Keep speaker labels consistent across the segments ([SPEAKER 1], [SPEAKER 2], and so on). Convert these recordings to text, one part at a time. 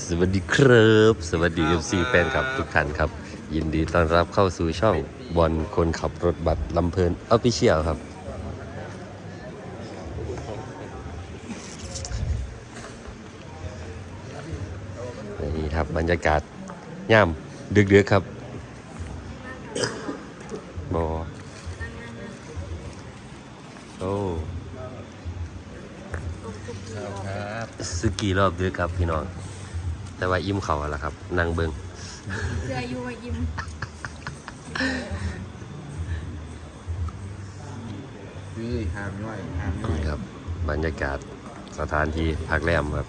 [SPEAKER 1] สวัสดีครับสวัสดี FC แฟนคลับทุกท่านครับยินดีต้อนรับเข้าสู่ช่องบอลคนขับรถบัสลำเพลินออฟฟิเชียลครับนี่ครับบรรยากาศย่ำดึกๆครับบอโอ้
[SPEAKER 2] ครับ
[SPEAKER 1] สึกี่รอบดึกครับพี่น้องแต่ว่าอิ่มเขาแล้วครับนั่งเบิง
[SPEAKER 3] เสื้อยูมายิ้ม
[SPEAKER 2] คือหามย่อย
[SPEAKER 1] นี่ครับบรรยากาศสถานที่พักแรมครับ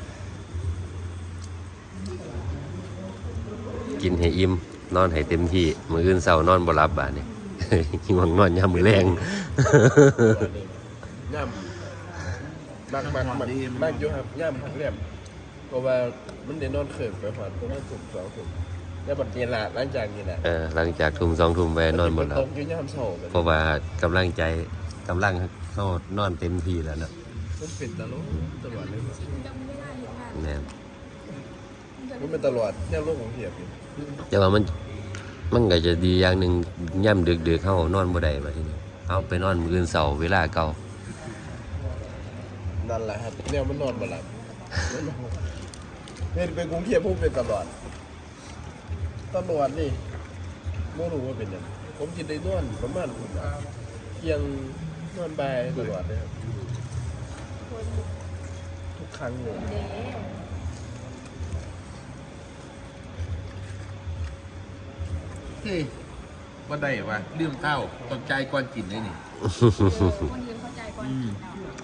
[SPEAKER 1] กินให้อิ่มนอนให้เต็มที่มื้ออื่นเช้านอนบ่หลับบาดนี้ หิวงนอนยามมื้อแรง
[SPEAKER 4] ย่ำมากอยู่ครับย่ำผักเรียบเพราะว่ามันได้นอนเขินไปหอดประมาณถูก2 ทุ่มแล้วบัดนี้ละหลังจากนี้แหละ
[SPEAKER 1] หลังจากทุ่ม2 ทุ่มไปนอนหมดแล้ว
[SPEAKER 4] ตกอยู่ย่ำเสา
[SPEAKER 1] เพราะว่ากำลังเข้านอนเต็มที่แล้วนะ
[SPEAKER 4] มันเป็นตลอดเลย
[SPEAKER 3] ชินจำไม่ได้เห็นงาน
[SPEAKER 1] แน่
[SPEAKER 4] มันเป็นตลอดแค่โลกของเทียบอยู่
[SPEAKER 1] แต่ว่ามันก็จะดีอย่างหนึงย่ำดึกๆเฮานอนบ่ได้บัดทีนี้เอาไปนอนมื้ออื่นเช้าเวลาเก่า
[SPEAKER 4] นั่นแหละครับเนี่ยมันนอนบ่หลับเห็นไปกรุงเทพพูดเป็นตลอดนี่ไม่รู้ว่าเป็นยังผมกินได้นอนประมาณเที่ยงนอนบ่ายตลอดเลยครับทุกครั้งเลย
[SPEAKER 3] เด้
[SPEAKER 2] เฮ้ยว่าได้วะเรื่องข้าวต้องใจก่อนกินได้นี่
[SPEAKER 3] คนยืนเข้าใจก่อนกิน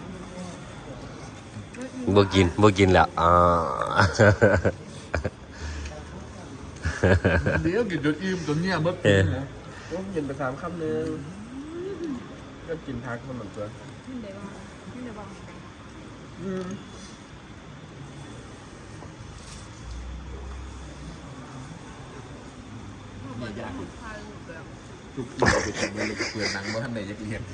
[SPEAKER 3] เอา
[SPEAKER 1] บ่กินแล้ว
[SPEAKER 2] เดี๋ยวกินจนอิ่มจนเนี่ยเมื่อ
[SPEAKER 4] ผมกินไป3 คำนึงก็กินพักมันเหมือนกัน
[SPEAKER 3] ไม่ได้ว่า
[SPEAKER 2] เนี่ยยาก
[SPEAKER 3] พาลูกแบบ
[SPEAKER 2] ทุกทีเราไปทำเลยเปลือกหนังว่าท่านไหนจะเรียน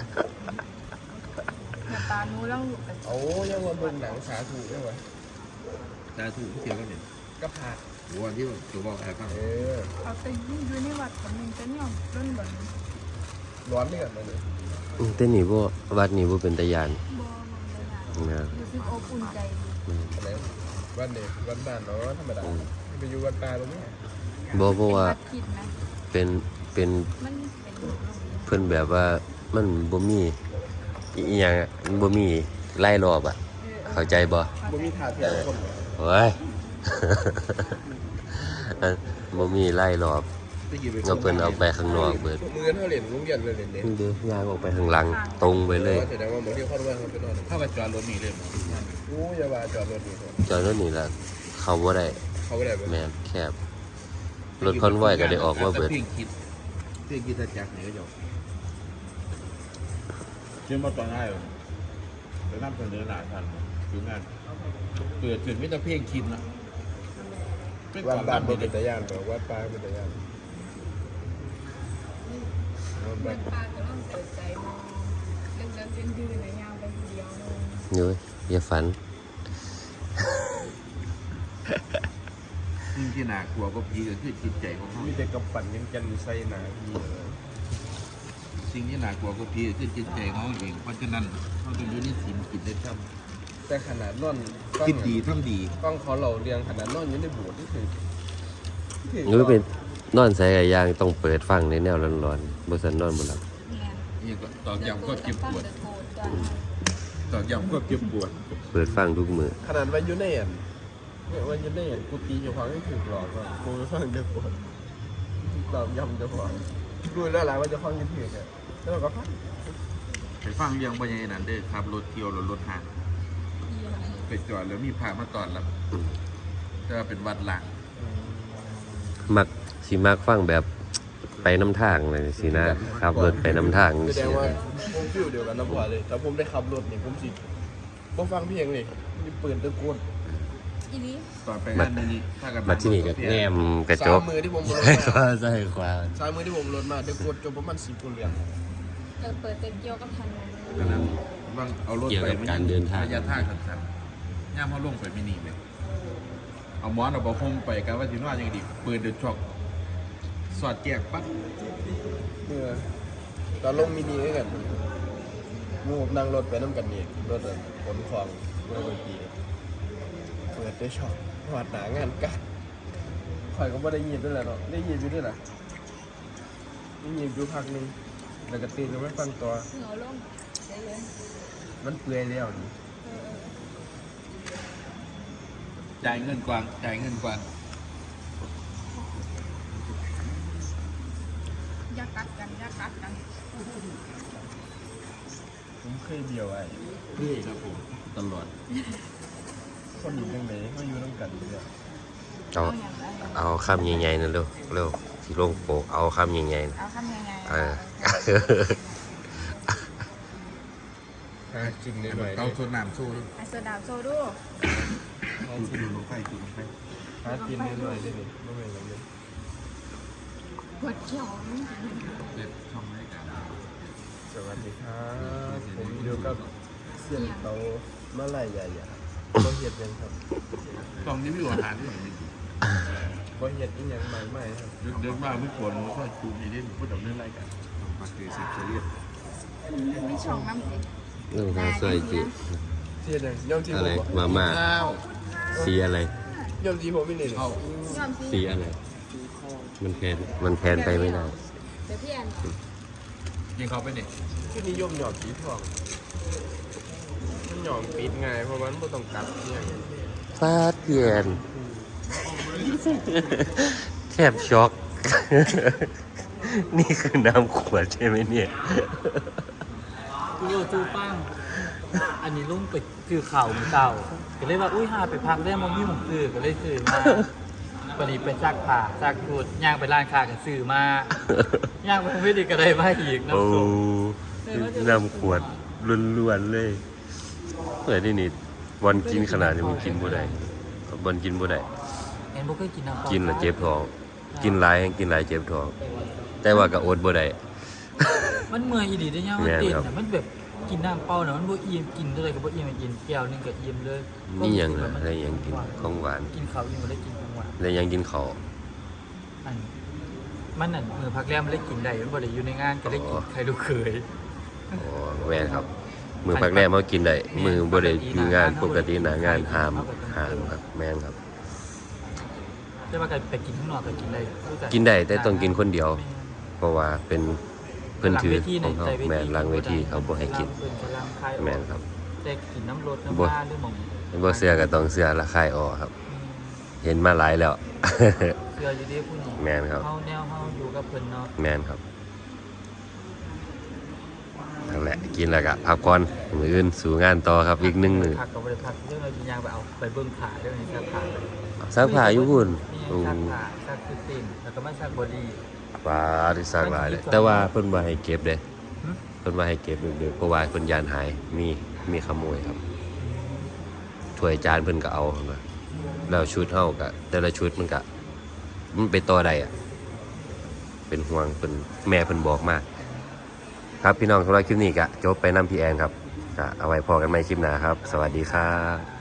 [SPEAKER 3] หน้าตาหนูแล้วลูกแบบ
[SPEAKER 4] โอ้ยังวันเบิ่งหนังสาธุได้ไหม
[SPEAKER 2] ตาถูกเทียบกันเนี่ย
[SPEAKER 4] ก็ผัก
[SPEAKER 2] วันที่ตัวบอกอะไรบ้าง
[SPEAKER 3] เอาไปยิ่งอยู่ในวัดกับมึงจะเนี่ยร่นแบบ
[SPEAKER 4] ร้อนนี่กันเลย
[SPEAKER 1] แต่นี่บ่วัดนี่บ่เป็นตาย่าน
[SPEAKER 3] บอมันเลยนะ
[SPEAKER 1] นะ
[SPEAKER 3] รู้สึกอบอุ่นใจดี
[SPEAKER 4] อะไรวันเด็กวันบ้านเนาะธรรมดาไปอยู่วันปลาตรงนี้
[SPEAKER 1] บ่เพราะว่า
[SPEAKER 3] วัดคิดนะ
[SPEAKER 1] เป็น
[SPEAKER 3] มันเป็น
[SPEAKER 1] เพิ่นแบบว่ามันบ่มีอีหยังอะมันบ่มีไล่รอบอ่ะเข้าใจบ่
[SPEAKER 4] บ่มีถาดเทียมคน
[SPEAKER 1] โอ้ย บ่มีไล่รอบเงาเพิ่นเอาไปข้างนอกเบิด
[SPEAKER 4] มือเขาเหรียญลุงยันเลยเหรียญเด็ก
[SPEAKER 1] เด้ย่างออกไปข้างหลังตรงไปเลย
[SPEAKER 4] แสดงว่าเหมือนที่เขาด้วยเขาไปนอน
[SPEAKER 2] เข้าไปจอดรถนี่เลย
[SPEAKER 4] โอ้ยาว่าจอดรถนี่
[SPEAKER 1] จอดรถนี่ล่ะเข้าบ่ได้
[SPEAKER 4] เขาไม่ได้ไหม
[SPEAKER 1] แม่นแคบรถคอนไวก็ได้ออกมาเบิด
[SPEAKER 2] เพียงคิดจักรเนี่ยก็จบเชื่อมาตอนง่ายเลยจะนั่งเสนอหน้าทันถึงงานเกิดถึงไม่ต้องเพ่งคิดนะ
[SPEAKER 4] วันบ้านเป็นตะย่านบอกวัดปลาเป็นตะย่านวัน
[SPEAKER 3] เหมื
[SPEAKER 4] บ้า
[SPEAKER 3] อน นปลาก็ต้องเปิดใจมองเรื่องเส้นยืดในยาวไปทีเดียวเลย
[SPEAKER 1] เด้ออย่าฝัน
[SPEAKER 2] สิ่งที่น่ากลัวก็ผีก็คือจิตใจของเขา
[SPEAKER 4] มีแต่กำปั่นยังจันใส่หนาที
[SPEAKER 2] สิ่งที่น่ากลัวก็ผีก็คือจิตใจของเขาเองเพราะฉะนั้นเขาต้องอยู่ในศีลกินได้ท
[SPEAKER 4] แต่ขนาดนอน
[SPEAKER 2] ำคิดดีทำดี
[SPEAKER 4] กล้องเขาเราเรียงขนาดนอนอยู่ในโบสถ์นี่คือ
[SPEAKER 1] หรือเป็นนอนใส่กับยางต้องเปิดฟังในแนวร้อนๆบ่ซั่นนอนบ่หลับ
[SPEAKER 3] เนี่ย
[SPEAKER 2] นี่ก็ตอกย้ำก็เจ็บปวด
[SPEAKER 3] โกรธจ้ะ
[SPEAKER 2] ตอกย้ำก็เจ็บปวด
[SPEAKER 1] เปิดฟังทุกมื้อ
[SPEAKER 4] ขนาดวันยูเนียนวันยูเนียนกูตีอยู่ฟังให้ถึงหลอกว่ากูฟังเดือดปวดตอบย้ำจะฟังดูแล้วหลายว่าจะฟังยังถึงเนี่ยแล้วเราก็ฟัง
[SPEAKER 2] ไปฟังเรื่องบรรยายนั้นเด้อครับรถเที่ยวรถห่างไปจอดแล้วมีพามาตอนรับจะเป็นวัดหลัง
[SPEAKER 1] มักฟังแบบไปน้ำทางเลยสินะขับรถไปน้ำทาง
[SPEAKER 4] แสด
[SPEAKER 1] สิ
[SPEAKER 4] งว่าผมฟิลเดียวกันนะพ่อเลยถ้าผมได้ขับรถนี่ผมสิบ่ฟังเพลงเลยมีปืนตะโกน
[SPEAKER 3] อีนี้
[SPEAKER 2] ตอนไปงานนี้ถ้ากัน
[SPEAKER 1] มาที่นี่ก็แนมกระจก
[SPEAKER 4] 3 มือที่ผมรถ
[SPEAKER 1] ใช่
[SPEAKER 4] มา
[SPEAKER 1] ว่าใช่ความ
[SPEAKER 4] 3 มือที่ผมรถมาตะโกนจนประมาณ10 คนเรียง
[SPEAKER 3] จะเปิดเต็มเกี่ยวกับถนน
[SPEAKER 2] ก็นั้นว่างเอารถไประยะทางสั้นๆย่ามเขาลงไปไม่หนีเลยเอาเอาหมอนเอาผ้าห่มไปกันว่าสินอนยังดีเปิดเดือดช็อกสอดแจกปั๊บ
[SPEAKER 4] ตอนลงมินิด้วยกันหมู่ผมนั่งรถไปน้ำกันนี่รถขนของเมื่อวันปีเปิดได้ช็อปหอดหนางานกัดข่อยก็ไม่ได้ยินด้วยแหละเนาะได้ยินอยู่ด้วยนะได้ยินอยู่พักหนึงแล้วก็ตื่นก็ไม่ฟังตัว
[SPEAKER 3] เหงาลงใจเย็น
[SPEAKER 4] มันเปื่อยแล้วนี่
[SPEAKER 2] จ่ายเงินกวางจ่ายเงินกวาง
[SPEAKER 3] อย่ากัดกันอย่ากัดกัน
[SPEAKER 4] ผมเคยเดียวไอ้
[SPEAKER 2] นี่ครับผมตลอด
[SPEAKER 4] คนอยู่ตรงไหนเขาอยู่ต้องกันอยู่เนี่ย
[SPEAKER 1] เอา
[SPEAKER 3] อย่างไร
[SPEAKER 1] เอาคำใหญ่ๆนั่นเร็วเร็วที่ลงโปกเอาคำใหญ่ๆนะ
[SPEAKER 3] เอาทำยังไง
[SPEAKER 1] เออ
[SPEAKER 4] จริงเลยหน่อย
[SPEAKER 2] เอาโซนน้ำสู้ดิ
[SPEAKER 3] ไอโซดาโซดู
[SPEAKER 2] ดูลงไฟดูลงไฟ
[SPEAKER 4] หากินหน่อยได้ไหมไม่เป็นไรเลย
[SPEAKER 3] ปวดเขียว
[SPEAKER 2] เด็ดช่องรายการ
[SPEAKER 4] สวัสดีครับผมอยู่กับเสียนเตาเมื่อไรใหญ่ๆบ่เห็ดยังครับ
[SPEAKER 2] ช่องนี้ไม่อยู่อาหารที่ไหนไม่ดี
[SPEAKER 4] บ่เห็ดอีหยังใหม่ๆครับ
[SPEAKER 2] เดินมาไม่ควรช่วยจูนี่เล่นพูดถึงเรื่องรายการปากเกยสิบเรียบ
[SPEAKER 3] มีช่องน้ำสิ
[SPEAKER 1] เรื่องของสวยจิ
[SPEAKER 4] เสียดยังย่อมที่
[SPEAKER 1] อะ
[SPEAKER 4] ผ
[SPEAKER 1] ไร
[SPEAKER 4] ม
[SPEAKER 1] มาม่า
[SPEAKER 2] ข้าว
[SPEAKER 1] สีอะไร
[SPEAKER 4] ย่อมที่ผมไม่เลย
[SPEAKER 2] เอา
[SPEAKER 3] ยอมสิ
[SPEAKER 1] สีอะไร มันแทนไปไม่ได้
[SPEAKER 3] เดี๋ยวพี่แอน
[SPEAKER 2] ยิงเขาไปเนี่ย
[SPEAKER 4] ที่นิยมหยอดสีทองมันหยอดปิดง่ายเพราะมันไม่ต้องตัดเนี่ย
[SPEAKER 1] ฟาดเปลี่ยน แทบช็อก นี่คือน้ำขวดใช่ไหมเนี่ย
[SPEAKER 5] โยจูป้าง อันนี้ลุงไปซื้อข่าวมือเก่าก็เลยว่า อุ้ยหาไปพักได้มันมีหมองซื้อก็เลยซื้อมาพอดีไปซักผ้าซักชุดย่างไปร้านค้าก็ซื้อมาย่างไปไม่ได้ก็ได้มาอีก
[SPEAKER 1] โอ้
[SPEAKER 5] น้ำส้ม
[SPEAKER 1] น้ำขวดล้วนๆเลยเปิดนี่นี่วันกินขนาดนี้มันกินบ่ได้วันกินบ่ได้
[SPEAKER 5] เห็นพวกเคยกินน้ำเปล่า
[SPEAKER 1] กินแล้วเจ็บท้อง กินหลายแห่งกินหลายเจ็บท้อง แต่ว่าก็อดบ่ได้
[SPEAKER 5] มันเมื่อยอีดีได้ยังมัน
[SPEAKER 1] แม่น
[SPEAKER 5] ติด
[SPEAKER 1] ครับ
[SPEAKER 5] น่ะมันแบบกินน้ำเปล่าน่ะมันบ่อิ่มกินเท่าไหร่ก็บ่อิ่มกินแก้วหนึงก็อิ่มเลย
[SPEAKER 1] นี่ยังน่ะได้ยังกินของหวาน
[SPEAKER 5] กินข้าวอิ่มบ่ได้กินของหวาน
[SPEAKER 1] ได้ยังกินข้าว
[SPEAKER 5] อันมันน่ะมือพักแรมมันได้กินได้มันบ่ได้อยู่ในงานก็ได้กินใครลูกเคย
[SPEAKER 1] อ๋อแม่นครับ มือพักแรกมากินได้มือบ่ได้มีงานปกติหน้างานหามครับแม่นครับ
[SPEAKER 5] แต่ว่าก็ไปกินข้างนอกก็กินได้รู้จั
[SPEAKER 1] กินได้แต่ต้องกินคนเดียว เพราะว่าเป็นเพิ่นถือของเขาแม่นหลังเวทีเขาบ่ให้กิน แม่นครับ
[SPEAKER 5] แต่กินน้ำรสน้ำ
[SPEAKER 1] บ่
[SPEAKER 5] ปลาหรือหม่อง
[SPEAKER 1] บ่เสื้อก็ต้องเสื้อละคายออกครับ เห็นมาหลายแล้ว
[SPEAKER 5] เชื่ออยู่ดีผู้นี้
[SPEAKER 1] แม่นครับ
[SPEAKER 5] เฮาแนวเฮาอยู่กับเพิ่นเนาะ
[SPEAKER 1] แม่นครับนั่นแหละกินแล้วก็พักผ่อนมื้ออื่นสู่งานต่อครับอีก1มื้อ
[SPEAKER 5] พักก็บ่ได้พักเรื่องเราสิย่างไปเอาไปเบิ่งขาเรื่องนี้ซักขาเลย
[SPEAKER 1] ซักผ้าอยู่พุ่น
[SPEAKER 5] นี่ซักขาซักคือติ่นแล้วก็มาซักบอดี้
[SPEAKER 1] ฟ้าที่ซักหลายเลยแต่ว่าเพิ่นบ่ให้เก็บเด้
[SPEAKER 5] หึ
[SPEAKER 1] เพิ่นว่าให้เก็บดึกๆเพราะว่าเพิ่นยานหายมีขโมยครับถ้วยจานเพิ่นก็เอาครับว่าแล้วชุดเฮาก็แต่ละชุดมันก็มันไปต่อได้อะเป็นห่วงเพิ่นแม่เพิ่นบอกมาครับพี่น้องสำหรับคลิปนี้ก็จบไปนำพี่แอนครับก็เอาไว้พอกันใหม่คลิปหน้าครับ สวัสดีครับ